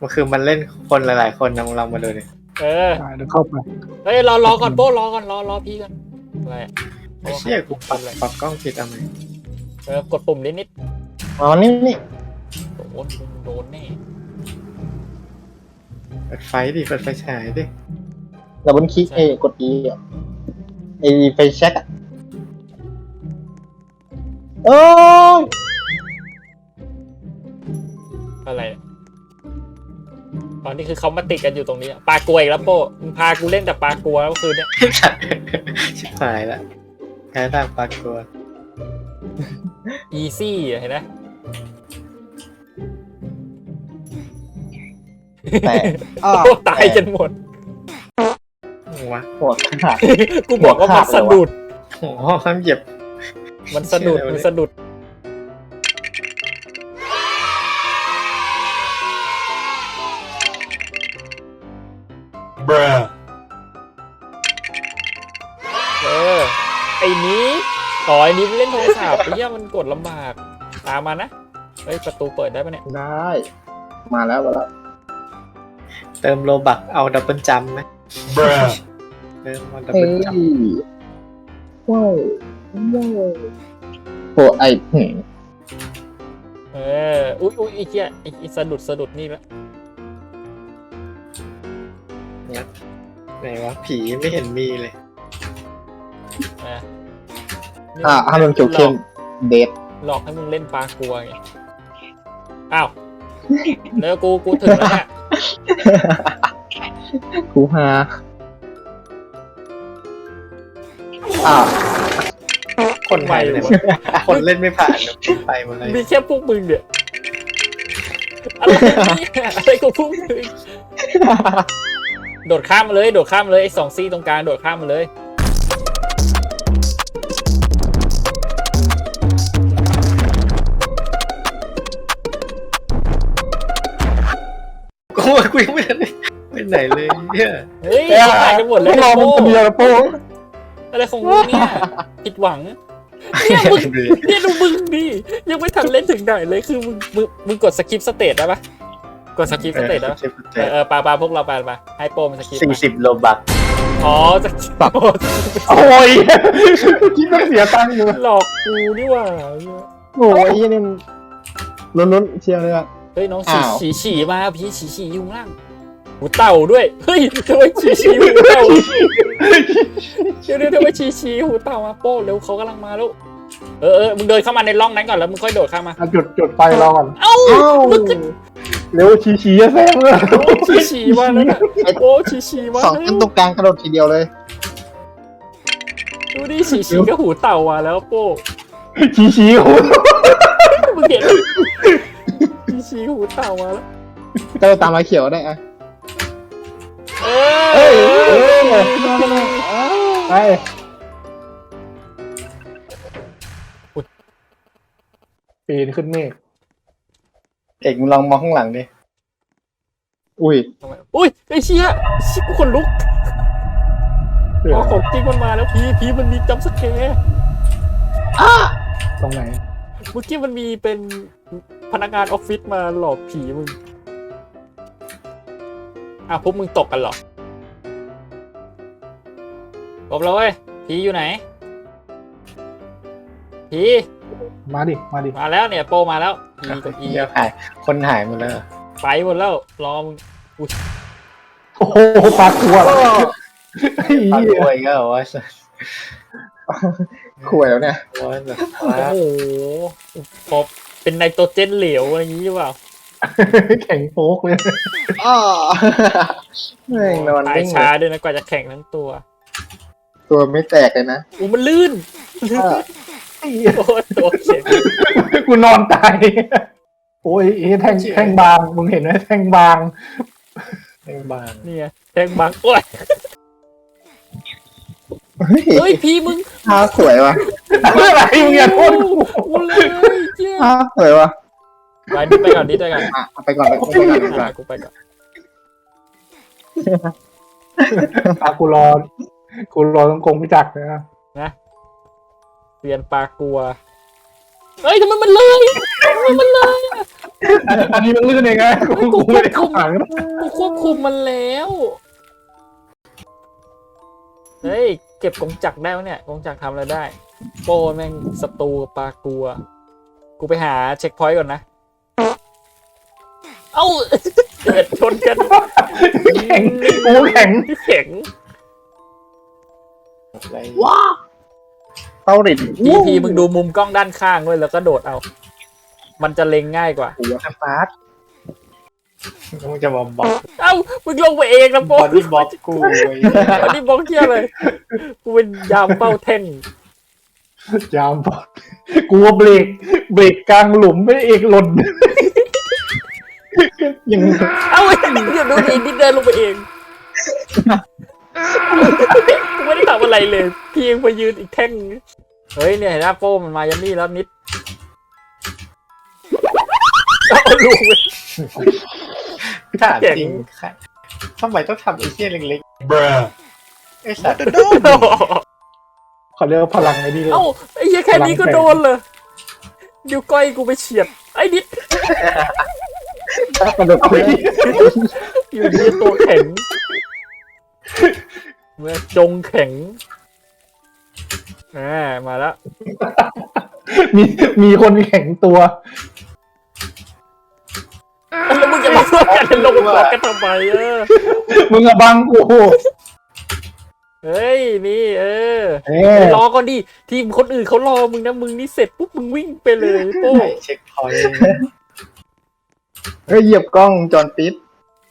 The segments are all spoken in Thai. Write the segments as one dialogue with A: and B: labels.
A: มันคือมันเล่นคนหลายๆคนนะมึงลองมาดูดิ
B: เออ
C: เดี๋ยวเข้าไป
B: เฮ้ยรอก่อนโป้รอก่อนรอพี่ก่อนอะไรอะ
A: ไอ้เชี่ยกูปรับกล้องผิดเอาไหม
B: กดปุ่มนิด
D: อ๋อนี่
B: โดนแน่
A: เปิดไฟดิเปิดไฟฉายดิ
D: ดับเบิลคลิกกด E อ่ะไฟแช็กอ่ะโอ้ย
B: อะไรอะตอนนี้คือเขามาติดกันอยู่ตรงนี้อะปลากลัวอีกแล้วโป้มึงพากูเล่นแต่ปลากลัวแล้วคืนเนี้ย
A: ชิบหายละแพ้ทางปลากลัว
B: อีซี่เห็นไหม
D: แต่อ้อ
B: โอ้ตายกันหมด
A: วะ
D: ปวดขาด
B: กูบอกว่ามันสะดุด
A: โอ้โหห้ามเหยียบ
B: มันสะดุดมันสะดุดไอ้นี้ต่อยนี้เล่นโทรศัพท์ไอ้เหี้ยมันกดลำบากตามมานะเฮ้ยประตูเปิดได้ปะเนี่ย
D: ได้มาแล้ว
A: เติมโลบักเอาดับเบิลจัมไหมเติมเอาดับ
D: เฮ้
A: เบิ
D: ย
A: ลจัม
D: ว้าวโอ้ไอ้
B: อุ้ยไอ้เหี้ยไอ้สะดุดนี่ละ
A: ไหนวะผีไม่เห็นมีเลย
D: ถ้ามันเขียวเข้มเดท
B: หลอกให้มึงเล่นปลากลัวไงอ้าวแล้วกูถึงแล้วเนี่ย
D: กูฮาอ้าว
A: คน
B: ไว
A: ไปเล
B: เลย ย
A: คนเล่นไม่ผ่านไปหมดเลย
B: มีแค่พวกมึงเนี่ยอะไรเนี่ยอะไรกับพวกมึงโดดข้ามมาเลยไอ้2 ซี่ตรงกลางโดดข้ามมาเลย
A: กูยังไม่ทันได้ไปไหนเลยเนี่ย
B: เฮ้ยหายกันหมดเลย
D: รอมันคนเดียวนะโป้
B: อะไรของมึงเนี่ยผิดหวังเนี่ยดูมึงดิยังไม่ทันเล่นถึงไหนเลยคือมึงกดสกิปสเตตได้ปะกดสกิปสเตตได้ปะปาพวกเราไปให้โปรมันสกิป
A: 40 โลบัก
B: อ๋อจะ
D: โอ้ยคิดว่าเสียตังค์อยู่
B: หลอกกูนี่หว่า
D: โอ้ยนี่ลุ้นเชียร์เลยอ่ะ
B: เฮ้ยน้อง
D: อ้าว
B: ฉี่มาพี่ฉี่อยู่ข้างล่างหูเต่าด้วยเฮ้ยทำไมฉี่หูเต่าเดี๋ยวทำไมฉี่หูเต่ามาโป้เร็วเขากำลังมาแล้วมึงเดินเข้ามาในร่องนั้นก่อนแล้วมึงค่อยโดดข้ามมา
C: จุดไฟรอก่อน
B: เอ้ามึงก็
C: เร็วชี้จะแซงเลย
B: ฉี่มาแล้วนะโอ้ฉี่มา
D: สองขึ้นตรงกลางกระโดดทีเดียวเลย
B: ดูดิฉี่ก็หูเต่ามาแล้วโป้
C: ชี้โอ้
B: มึงเห็นฉี่หูเต่ามาแล้ว
D: ก็ตามมาเขียวได้อะ
C: ไปปีนขึ้นเมฆ
A: เอกมึงลองมองข้างหลังดิ
D: อุ้ย
B: อุ้ยไอ้เชี่ยกูขนลุกอ๋อของจริงมันมาแล้วพีมันมีจัมป์สแกร์
C: ตรงไหน
B: เมื่อกี้มันมีเป็นพนักงานออฟฟิศมาหลอกผีมึงพวกมึงตกกันเหรอจบแล้วเว้ยผีอยู่ไหนผี
C: มาดิ
B: มาแล้วเนี่ยโปมาแล้วผีกับอี
A: เดี๋ยวหายคนหายหมดแล้ว
B: ไปหมดแล้วรอมึง
C: โอ้โหปลาตัว
A: ปลากล้วยก็ว่า
D: ขวยแล้วเนี่ย
A: ว่าแบบ
B: โอ้โหพอเป็นไนโตรเจนเหลวอะไรอย่างนี้หรือเปล่า
C: แข็งโป๊กเลย
D: อ้อแม่งนอน
B: ตาย
D: นิ่ง
B: ช้าด้วยนะกว่าจะแข่งทั้งตัว
D: ตัวไม่แตกเลยนะ
B: มันลื่นโอ้ตัวเข็ม
C: กูนอนตายโอ้ยแท่งบางมึงเห็นไหมแท่งบาง
A: แม่งบาง
B: นี่ไงแทงบังโอ้ยเฮ้ยพี่มึง
D: ท่าสวยว่ะ
C: อะไรมึงอย่าโทษ
B: กูเลยเจ้า
D: ท่าสวยว่ะ
B: ไปก่อนดิ
D: ไปก่อน
B: กูไปก่อน
C: กูรอต้องกงพิจักนะ
B: นะเปลี่ยนปลากลัวเฮ้ยทำไมมันเลย
C: อันนี้มันลื่นเองไงกูไม่ได้เข้าหางนะ
B: กูควบคุมมันแล้วเฮ้ยเก็บกงจักรได้ไหมเนี่ยกงจักรทำอะไรได้โป้แม่งศัตรูปลากัวกูไปหาเช็คพอยต์ก่อนนะเอ้าเกิดชนกัน
C: แข็งกูแข็ง
B: แข็ง
A: อะไร
D: ว้าเต้าริด
B: ทีมึงดูมุมกล้องด้านข้างด้วยแล้วก็โดดเอา มันจะเล็งง่ายกว่า
D: หัวสปาร์ต
A: มึงจะมาบอก
B: เอ้ามึงลงไปเองนะ
A: บ
B: โป้
A: อดี้บล็อกกูไอ้เหี้ย
B: บอดี้บล็อกเที่ยเลยกูเป็นยามเป้าแท่ง
C: ยามปะกูว่าเบรกกลางหลุมไม่เอกหล่น
D: ยัง
B: เอ้าเดี๋ยวดูดินิดเดินลงไปเองกูไม่ได้ทำอะไรเลยเพียงไปยืนอีกแท่งเฮ้ยเนี่ยเห็นหน้าโป้มันมายันนี่แล้วนิดเอาลูกไป
A: ถามจริงค่ะทำไมต้องทำไอ้เหี้ยเล็กๆไอ้สัตว์
C: เขาเรียกว่าพลังไอ้นี่เลย
B: เอ้าไอ้เหี้ยแค่นี้ก็โดนเลยเดี๋ยวก้อยกูไปเฉียดไอ้นิด
D: กระโดดขึ้น
B: อยู่ดีตัวแข็งเมื่อจงแข็งมาแล้ว
C: มีคนแข็งตัว
B: แล้วมึงจะมาเพื่อกันลงหลอกกันทำไม
C: มึงอะบังกู
B: เฮ้ยนี่
C: เอ
B: รอก่อนดิทีมคนอื่นเขารอมึงนะมึงนี่เสร็จปุ๊บมึงวิ่งไปเลยโป้
A: เช็คพอยต์
D: เฮ้ยเหยียบกล้องจอนปิด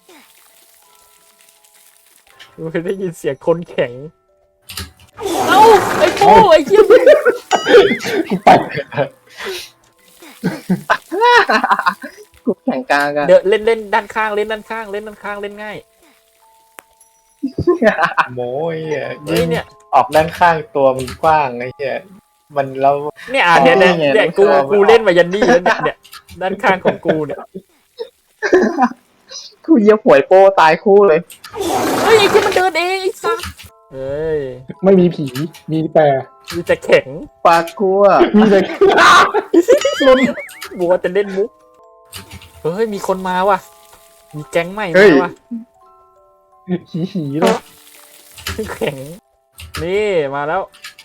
B: มึงได้ยินเสียงคนแข็งเอ้าไอ้โป้ไอ้เหี้ย
C: กูไป
D: กูแข่งกลางกัน
B: เดี๋ยวเล่นด้านข้างเล่นด้านข้างเล่นด้านข้างเล่นง่าย
A: โม้ยอ่ะ
B: เฮ้ยเนี่ย
A: ออกด้านข้างตัวมันกว้างไอ้เหี้ยมันแล้ว
B: เนี่ยเนี่ยกูเล่นมายันนี่แล้วเนี่ยด้านข้างของกูเนี่ย
D: กูเหยียบหวยโป้ตายคู่เลย
B: เฮ้ยไอ้ที่มันเดินเองไอ้สัสเฮ้ย
C: ไม่มีผีมีแต่
B: มีแต่แข็ง
D: ปลากลัว
C: มีแต่
B: ล้นบัวจะเล่นมุกเฮ้ยมีคนมาว่ะมีแก๊งใหม่มาว่ะ
C: หีเลย
B: แข็งนี่มาแล้ว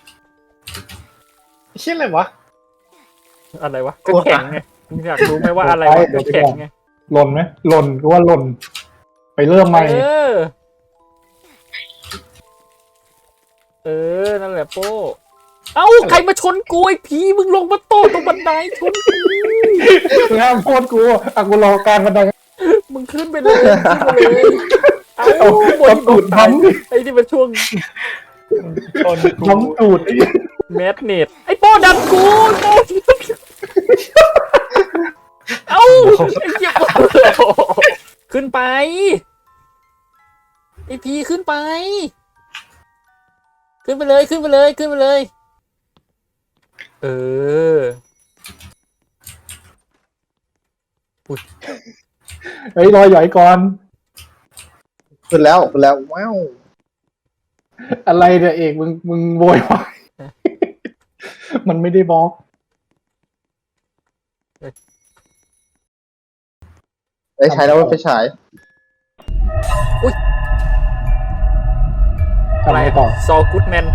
A: เหี้ยอะไรวะ
B: อะไรวะก็แข็งไงมึงอยากรู้ไหมว่าอะไรวะก็แข็งไง
C: หล่นไหมหล่นก็ว่าหล่น ไปเริ่มใหม่
B: นั่นแหละโป้เอ้าใครมาชนกูไอ้ผีมึงลงมาโต้ตรงบันไดชนกู
C: งามโคตรกูอ่ะกูรอกลางบันได
B: มึงขึ้นไปเลยขึ้นไปเลยเอ้า
C: เอา
B: บน
C: ตูดน้ำดิ
B: ไอ้นี่มันช่วง
A: ชนกู
C: น้ำตูด
B: แมสเนตไอ้โป้ดันกูโป้เอ้าไอ้เหี้ยขึ้นไปไอ้พีขึ้นไปขึ้นไปเลยขึ้นไปเลยขึ้นไปเลยเ
C: เฮ้ยรอยหย่อยก่อน
D: ขึ้นแล้วว้าว
C: อะไรเนี่ยเอกมึงโวยวายมันไม่ได้บล็อก
D: เอ้ยใช้แล้วว่าไฟฉาย
C: ทำไมต่อ
B: ซอกูดแมน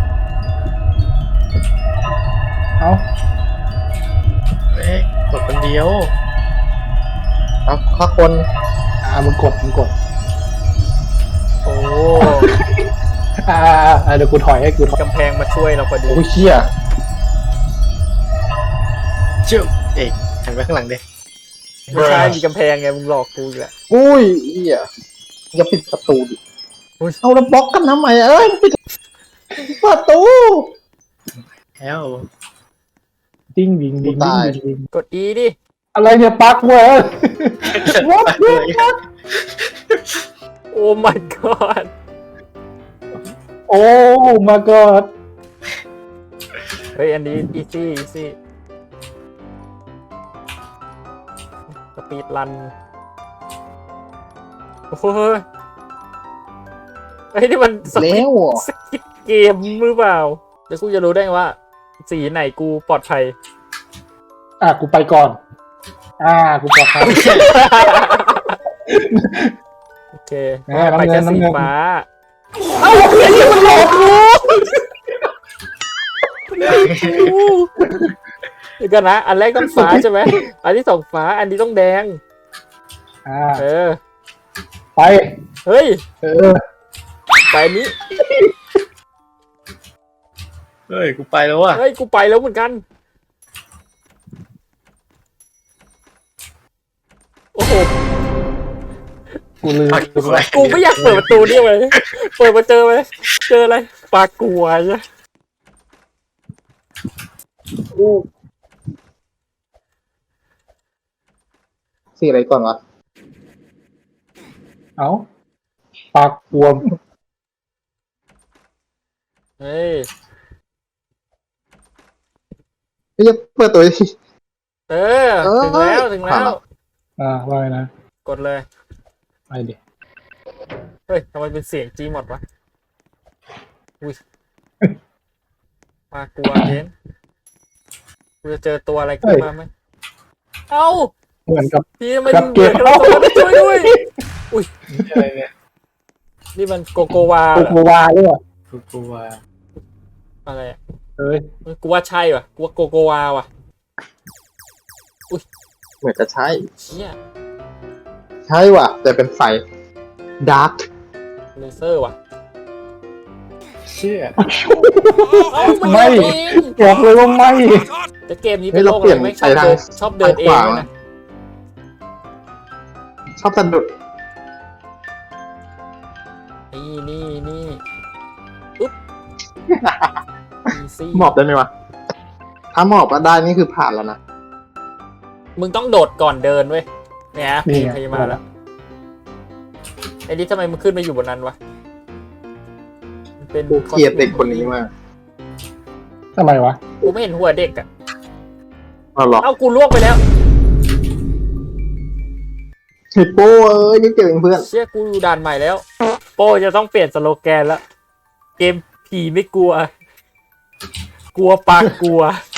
C: เอ้า
A: เอ๊ะกดคนเดียว
D: เอาข้าคน
C: มึงกด
B: โอ้
C: เดี๋ยวกูถอยให้กูถอย
B: กำแพงมาช่วยเราพอดี
D: โอ้ยเชี่ย
A: เชื่อเอกหันไปข้างหลังดิ
B: ไม่ใช่มีกำแพงไงมึงหลอกกูอีกแล้ว
D: อุ้ยเหี้ยอย่าปิดประตูดิเอาแล้วบล็อกกันทำไมเอ้ยปิดประตู
A: แล้ว
C: ดิ้งดิ้งดิ้งดิ้งดิ้ง
B: กด E ดิ
C: อะไรเนี่ยปักเว้ย What
B: โอ้ my god
C: โอ้ my god
B: เฮ้ยอันนี้ easy สปีดรันโอ้โหไอ้นี่มันส
D: แล้
B: กิป
D: วเหรอ
B: สกิปเกมหรือเปล่าแล้วกูจะรู้ได้ไงว่า สีไหนกูปลอดภัย
C: กูไปก่อนกูปลอดภัย
B: โอเค
C: น้ำ
B: ไป
C: เงิ
B: แค่
C: น
B: สี
C: น้ำเงิน
B: ฟ้าเอ้าไอ้นี่มันหลอกกูเดี๋ยวกันนะอันแรกต้องฟ้าใช่ไหมอันที่สองฟ้าอันนี้ต้องแดงเออ
C: ไป
B: เฮ้ย
C: ไป
B: อันนี้
A: เฮ้ยกูไปแล้วอ่ะ
B: เฮ้ยกูไปแล้วเหมือนกันโอ้โห
C: กูลืม
B: กูไม่อยากเปิดประตูนี่เลยเปิดมาเจอไหมเจออะไรปลากลัวใช่
D: สีอะไรก่อนวะ
C: เอ้าปากบวม
B: เฮ้ย
D: ไม่จะเปิดตัวดิ
B: เออถึงแล้วถึงแล้ว
C: ว่าไงนะ
B: กดเลย
C: ไปดิ
B: เฮ้ยทำไมเป็นเสียงจีหมดวะอุ้ยปลากลัวเน้นกูจะเจอตัวอะไรขึ้นมาไหมเอ้า
C: เหมือนกับ
B: พี่มันเหมือนกับเราช่วยด้วย
A: อะไรเนี่ย
B: นี่มันโกโกวา
C: โกโกวาด้วย
A: กูกลัว
B: อะไรอ่ะ
C: เฮ้ย
B: กูว่าใช่ว่ะกูว่าโกโกวาว่ะ
D: เหมือนจะใช่
B: เชี่ย
D: ใช่ว่ะ แต่เป็นไฟดาร์ก
B: เลเซอร์ว่ะ
A: เชี่ย
B: เอ้ามัน
C: ไม่
B: เอง
C: บอกเลยว่าไม่
B: แต่เกมนี้เป็นโลกอะไรไม่ชอบเดินเองนะ
D: ชอบสะดุด
B: นี่อุ๊บอีซี่
D: หมอบได้ไหมวะ ถ้าหมอบก็ได้นี่คือผ่านแล้วนะ
B: มึงต้องโดดก่อนเดินเว้ยเนี่ย
C: นี่ไง
B: พยามาแล้วไอ้นี่ทำไมมึงขึ้นมาอยู่บนนั้นวะมันเป็น
D: กูเกลียดเด็กคนนี้มาก
C: ทำไมวะ
B: กูไม่เห็นหัวเด็กอ่ะ
D: เอาหรอ
B: เอ้ากูล่วงไปแล้ว
D: ฮิปโป้นี่เจอเพื่อน
B: เชี่ยกูอยู่ด่านใหม่แล้ว โป้จะต้องเปลี่ยนสโลแกนแล้ว เกมผีไม่กลัว กลัวปากกลัว